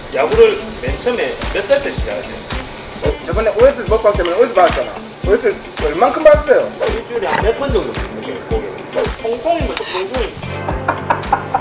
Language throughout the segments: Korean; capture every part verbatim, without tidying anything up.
야구를 맨 처음에 몇 살 때 시작하세요? 어, 저번에 오에스 먹방 때문에 오에스 받았잖아. 오에스 얼만큼 받았어요? 일주일에 한 몇 번 정도 됐습니까? 거기 통통이면 통통이.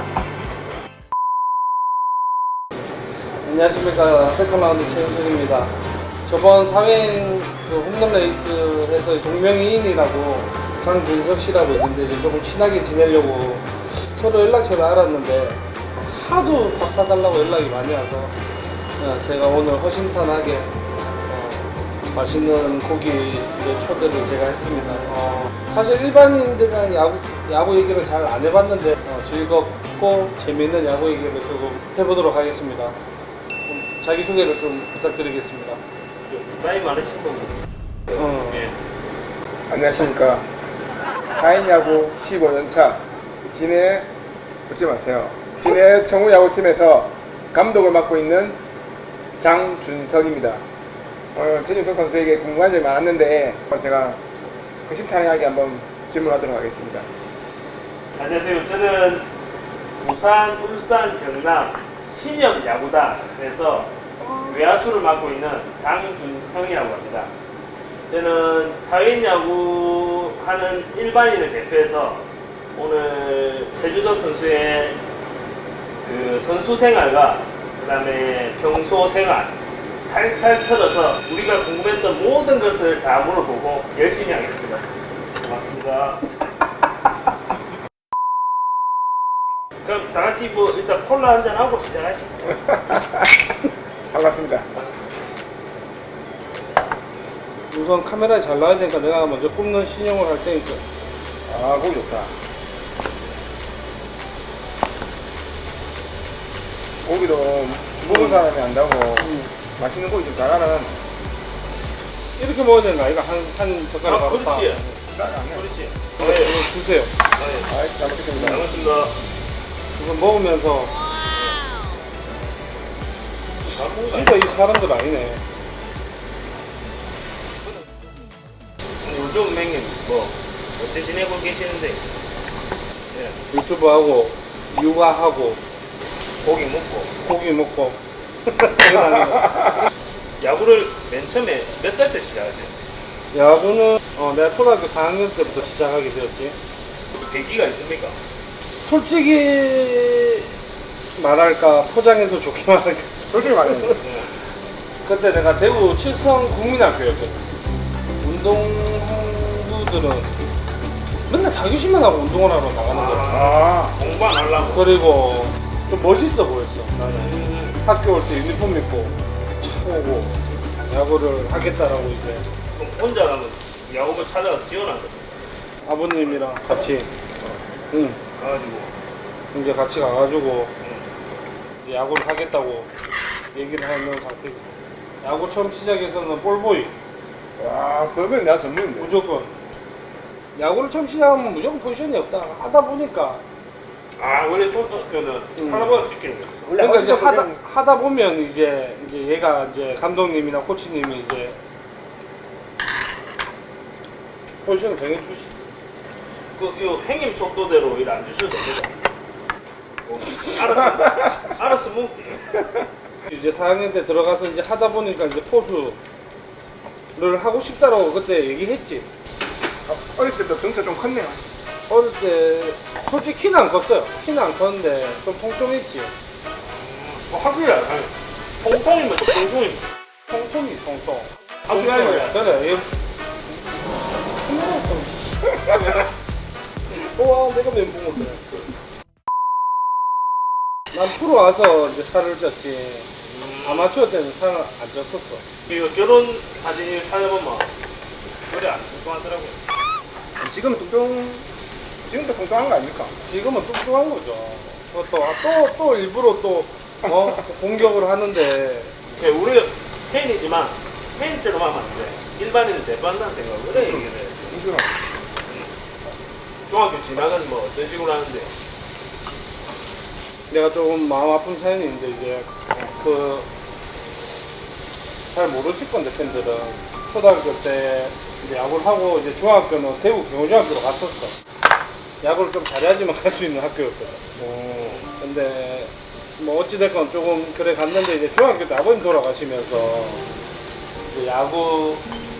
안녕하십니까, 세컨라운드 최우준입니다. 저번 사회인 그 홈런 레이스에서 동명이인이라고 장준석 씨라고 있는데 이제 조금 친하게 지내려고 서로 연락처를 알았는데 하도 밥 사달라고 연락이 많이 와서 어, 제가 오늘 허심탄회하게 어, 맛있는 고깃집에 초대를 제가 했습니다. 어, 사실 일반인들은 야구, 야구 얘기를 잘 안 해봤는데 어, 즐겁고 재미있는 야구 얘기를 조금 해보도록 하겠습니다. 자기소개를 좀 부탁드리겠습니다. 나이 많으신 분. 어. 예. 안녕하십니까. 사인 야구 십오 년 차 진해, 웃지 마세요. 진해 청우 야구팀에서 감독을 맡고 있는 장준석입니다. 어, 최준석 선수에게 궁금한 점이 많았는데 제가 허심탄회하게 한번 질문하도록 하겠습니다. 안녕하세요. 저는 부산, 울산, 경남 신형 야구단에서 외야수를 맡고 있는 장준형이라고 합니다. 저는 사회인 야구 하는 일반인을 대표해서 오늘 최준석 선수의 그 선수 생활과 그 다음에 평소 생활 탈탈 털어서 우리가 궁금했던 모든 것을 다 물어보고 열심히 하겠습니다. 고맙습니다. 그럼 다 같이 뭐 일단 콜라 한잔 하고 시작하시죠. 반갑습니다. 우선 카메라에 잘 나와야 되니까 내가 먼저 굽는 신용을 할 테니까. 아, 고기 좋다. 고기도 먹은 사람이 안다고 음. 맛있는 고기 좀 잘하는. 이렇게 먹어야 되는 거 아이가? 한, 한 젓가락 아, 바로 다. 그렇지. 네. 그렇지. 네, 네. 이거 주세요. 네. 아, 잘 먹겠습니다. 잘 먹습니다. 우선 먹으면서 진짜 이 사람들 아니네. 요즘 맹님 뭐 어떻게 지내고 계시는데? 예. 유튜브 하고 육아하고 고기 먹고 고기 먹고 그거 아니고. 야구를 맨 처음에 몇 살 때 시작하세요? 야구는 어, 내가 초등학교 사 학년 때부터 시작하게 되었지. 계기가 있습니까? 솔직히 말할까 포장해서 좋게 말할까. 솔직히 말해요. 그때 내가 대구 칠성 국민학교였거든. 운동부들은 맨날 자교심만 하고 운동을 하러 나가는 거야. 아, 공부 안 하려고. 그리고 좀 멋있어 보였어. 음, 학교 올 때 유니폼 입고 차 오고 야구를 하겠다라고 이제 그럼 혼자 가면 야구부 찾아가서 지원한 거죠. 아버님이랑 같이 응 가가지고 이제 같이 가가지고 음, 이제 야구를 하겠다고 얘기를 하는 상태지. 야구 처음 시작해서는 볼보이 와, 그러면 내가 전문인데. 무조건. 야구를 처음 시작하면 무조건 포지션이 없다 하다 보니까 아 원래 초등학교는 음. 하나보다 시키는 거죠. 원래 그러니까 이제 허시가 하다, 그냥- 하다 보면 이제 이제 얘가 이제 감독님이나 코치님이 이제 포지션을 정해주시. 그요 행님 속도대로 일 안 주셔도 됩니다. 뭐, 알았어, 알았어 먹게. 이제 사 학년 때 들어가서 이제 하다 보니까 이제 포수를 하고 싶다라고 그때 얘기했지. 아, 어렸을 때부터 등차 좀 컸네요. 어릴 때 솔직히 키는 안 컸어요. 키는 안 컸는데 좀 통통했지. 뭐 학교에 안 가요. 통통이면 또 통통입니다. 통통이 통통. 학교에 안 가요. 그래. 얘- 와 내가 멘붕 먹네. 난 프로 와서 이제 살을 쪘지. 아마추어 때는 살을 안 쪘었어. 이거 결혼 사진을 찾아보면 그래 안 통통하더라고요. 지금은 뚱뚱, 지금도 뚱뚱한 거 아닙니까? 지금은 뚱뚱한 거죠. 또, 또, 또 일부러 또, 어, 공격을 하는데, 네, 우리가 팬이지만 팬대로만 하면 안 돼. 일반인은 대반다는 생각을 해. 이게 뚱뚱한. 중학교 지나가는 뭐 어떤 식으로 하는데 내가 조금 마음 아픈 사연이 있는데, 이제, 그, 잘 모르실 건데, 팬들은. 초등학교 때 이제 야구를 하고, 이제 중학교는 대구 경호중학교로 갔었어. 야구를 좀 잘해야지만 갈 수 있는 학교였거든. 오, 근데, 뭐 어찌됐건 조금 그래 갔는데 이제 중학교 때 아버님 돌아가시면서 이제 야구를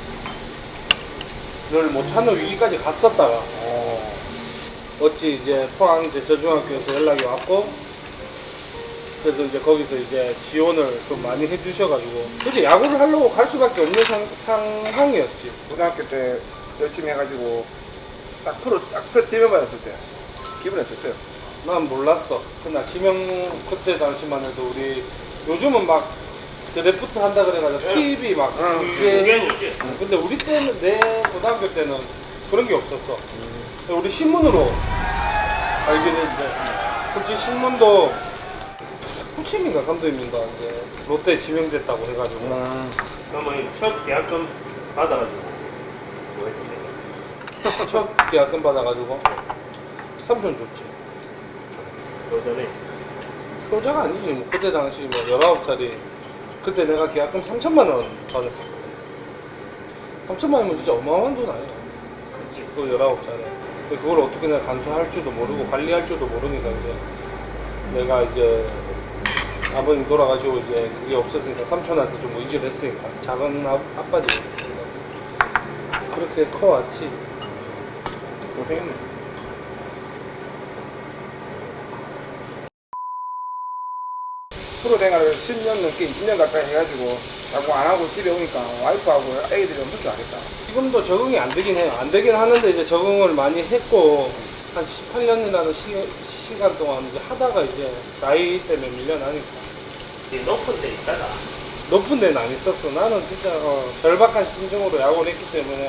못하는 위기까지 갔었다가 어. 어찌 이제 포항 이제 저중학교에서 연락이 왔고 그래서 이제 거기서 이제 지원을 좀 많이 해주셔가지고 그치 야구를 하려고 갈 수밖에 없는 상, 상황이었지. 고등학교 때 열심히 해가지고 딱 프로 딱서 지명받았을 때 기분이 어땠어요? 난 몰랐어. 그날 지명 그때 당시만 해도 우리 요즘은 막 드래프트 한다 그래가지고 응. 티비 막 응. 그게 그게 이제 응, 근데 우리 때는 내 고등학교 때는 그런 게 없었어. 근데 우리 신문으로 알게 됐는데 솔직히 신문도 후침인가 감독님인가 이제 롯데 지명됐다고 해가지고 음. 그러면 첫 계약금 받아가지고 뭐 했습니까? 첫 계약금 받아가지고 삼촌 줬지. 그 전에 효자가 아니지 뭐 그때 당시 뭐 열아홉 살이 그때 내가 계약금 삼천만 원 받았어. 삼천만 원이면 진짜 어마어마한 돈 아니야. 그치. 그 열아홉 살에. 근데 그걸 어떻게 내가 간수할 줄도 모르고 관리할 줄도 모르니까 이제 내가 이제 아버님 돌아가시고 이제 그게 없었으니까 삼촌한테 좀 의지를 했으니까 작은 아, 아빠지. 그렇게 커왔지. 고생했네. 프로 생활을 십 년 넘게 이십 년 가까이 해가지고 야구 안 하고 집에 오니까 와이프하고 애기들이 엄청 좋아하겠다. 지금도 적응이 안 되긴 해요. 안 되긴 하는데 이제 적응을 많이 했고 한 십팔 년이라는 시, 시간 동안 이제 하다가 이제 나이 때문에 밀려나니까 이 높은 데 있다가 높은 데는 안 있었어. 나는 진짜 어, 절박한 심정으로 야구를 했기 때문에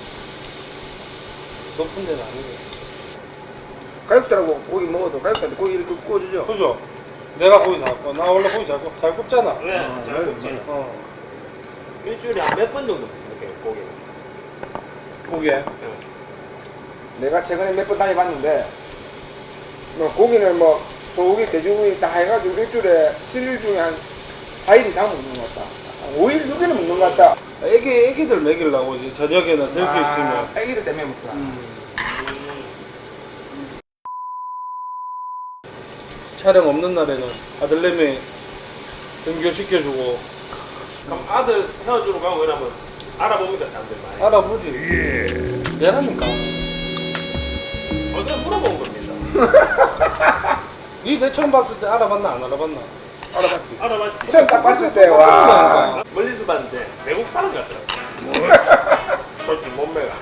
높은 데는 아니고. 가족들하고 고기 먹어도 가족들한테 고기를 굽- 구워주죠. 그죠? 내가 고기 잘 굽. 나 원래 고기 잘, 굽, 잘 굽잖아. 왜? 어, 잘 맞아, 굽지. 맞아. 어. 일주일에 한 몇 번 정도 먹습니까? 고기. 고기에. 내가 최근에 몇 번 다녀봤는데 뭐 고기는 뭐 소고기, 돼지고기 다 해가지고 일주일에 칠 일 중에 한 사 일 이상 먹는 것 같다. 한 오 일, 육 일은 먹는 것 같다. 애기, 애기들 먹이려고 이제 저녁에는 될 수 아, 있으면. 애기들 때문에 먹구나. 음. 음, 촬영 없는 날에는 아들내미 등교시켜주고 그럼 아들 헤어지러 가고 이러면 알아봅니까 사람들 많이? 알아보지. 얘라니까. 어제 물어본 겁니다. 니 내 처음 봤을 때 알아봤나 안 알아봤나? 알아봤지. 알아봤지. 처음 딱 봤을 때, 와. 멀리서 봤는데 외국 사람 같더라고. 솔직히 몸매가.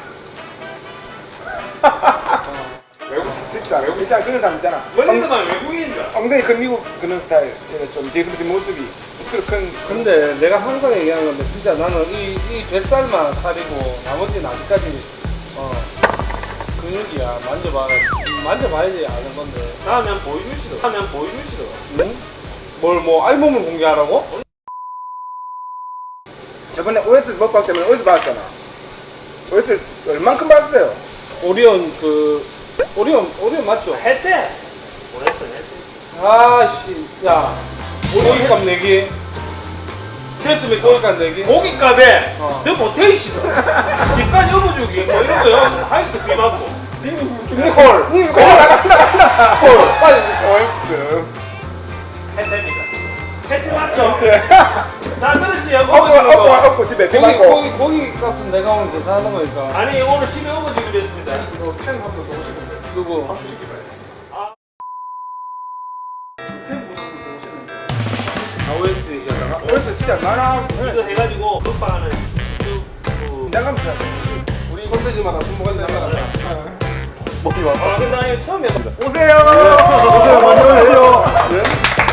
외국, 진짜 외국 있잖아. 그런 사람 있잖아. 멀리서만 외국인인 줄 알아. 엉덩이 큰 미국 그런 스타일. 좀 뒤그러진 모습이. 목소리 큰. 근데 내가 항상 얘기하는 건데 진짜 나는 이, 이 뱃살만 살이고 나머지는 아직까지 어, 근육이야. 만져봐. 만져봐야지 아는 건데. 나면 보여주시더. 나면 보여주시더. 응? 뭘 뭐 알몸을 공개하라고? 저번에 오에스 먹방 때문에 어디서 받았잖아. 오에스 얼만큼 받았어요? 오리온 그 오리온 오리온 맞죠? 했대. 보냈어 했대. 아씨 야 고기값 내기 됐으면 고기값 내기 고깃값에 어. 너 못해 이시더. 집간 여보주기 뭐 이런 거요. 하이스트 비 맞고. 콜! 님 그거 나간다. 콜! 빨리 오에스. 했답니다. 했대 맞죠? 나 그렇지 업고 여보 업고 주는 거. 업고 집에 비 고기 맞고. 고기 고기 값은 내가 오늘 계산하는 거니까 아니 오늘 집에 오고 주기로 했습니다. 이거 팬 한 번 더 오시는데. 누구? 한번 시키봐요. 아. 팬분 한 번 더 오시는데. 아, 오에스 얘기하다가 오에스 진짜 많아. 이거 해가지고 먹방하는 그, 그 나가면서. 우리 손대지 마라 손모가지 나가라 먹기 왔어. 아 근데 나 이거 처음 해봐. 오세요. 오세요. 많이 오세요. 네?